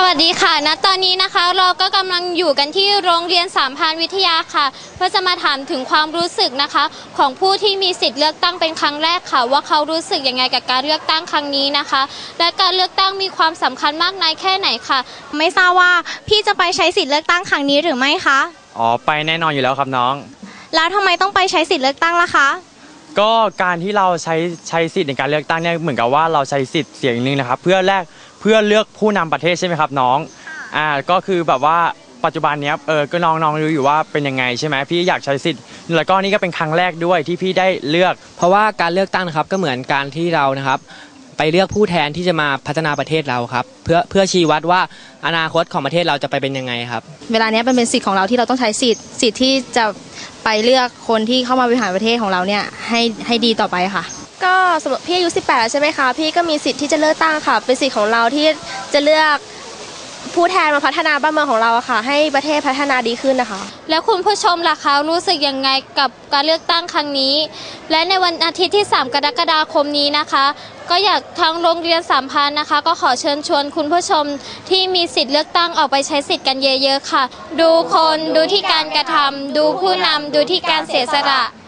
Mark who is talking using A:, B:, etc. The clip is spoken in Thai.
A: วัสดีค่ะณตอนนี้นะคะเราก็กำลังอยู่กันที่โรงเรียนสามพรานวิทยาค่ะเพื่อจะมาถามถึงความรู้สึกนะคะของผู้ที่มีสิทธิ์เลือกตั้งเป็นครั้งแรกค่ะว่าเขารู้สึกยังไงกับการเลือกตั้งครั้งนี้นะคะและการเลือกตั้งมีความสำคัญมากน้อยแค่ไหนค่ะ
B: ไม่ทราบว่าพี่จะไปใช้สิทธิ์เลือกตั้งครั้งนี้หรือไม่คะ
C: ไปแน่นอนอยู่แล้วครับน้อง
B: แล้วทำไมต้องไปใช้สิทธิ์เลือกตั้งล่ะคะ
C: ก็การที่เราใช้สิทธิ์ในการเลือกตั้งเนี่ยเหมือนกับว่าเราใช้สิทธิ์เสียงหนึ่งนะครับเพื่อเลือกผู้นำประเทศใช่ไหมครับน้องก็คือแบบว่าปัจจุบันเนี้ยก็น้องรู้อยู่ว่าเป็นยังไงใช่ไหมพี่อยากใช้สิทธิ์แล้วก็นี่ก็เป็นครั้งแรกด้วยที่พี่ได้เลือก
D: เพราะว่าการเลือกตั้งนะครับก็เหมือนการที่เรานะครับไปเลือกผู้แทนที่จะมาพัฒนาประเทศเราครับเพื่อชี้วัดว่าอนาคตของประเทศเราจะไปเป็นยังไงครับ
E: เวลานี้เป็นสิทธิ์ของเราที่เราต้องใช้สิทธิ์ที่จะไปเลือกคนที่เข้ามาบริหารประเทศของเราเนี่ยให้ดีต่อไปค่ะ
F: ก็สำหรับพี่อายุ18แล้วใช่ไหมคะพี่ก็มีสิทธิ์ที่จะเลือกตั้งค่ะเป็นสิทธิ์ของเราที่จะเลือกผู้แทนมาพัฒนาบ้านเมืองของเราค่ะให้ประเทศพัฒนาดีขึ้นนะคะ
A: แล้วคุณผู้ชมล่ะคะรู้สึกยังไงกับการเลือกตั้งครั้งนี้และในวันอาทิตย์ที่3กรกฎาคมนี้นะคะก็อยากทางโรงเรียนสามพรานนะคะก็ขอเชิญชวนคุณผู้ชมที่มีสิทธิ์เลือกตั้งออกไปใช้สิทธิ์กันเยอะๆค่ะดูคนดูที่การกระทำดูผู้นำดูที่การเสียสละ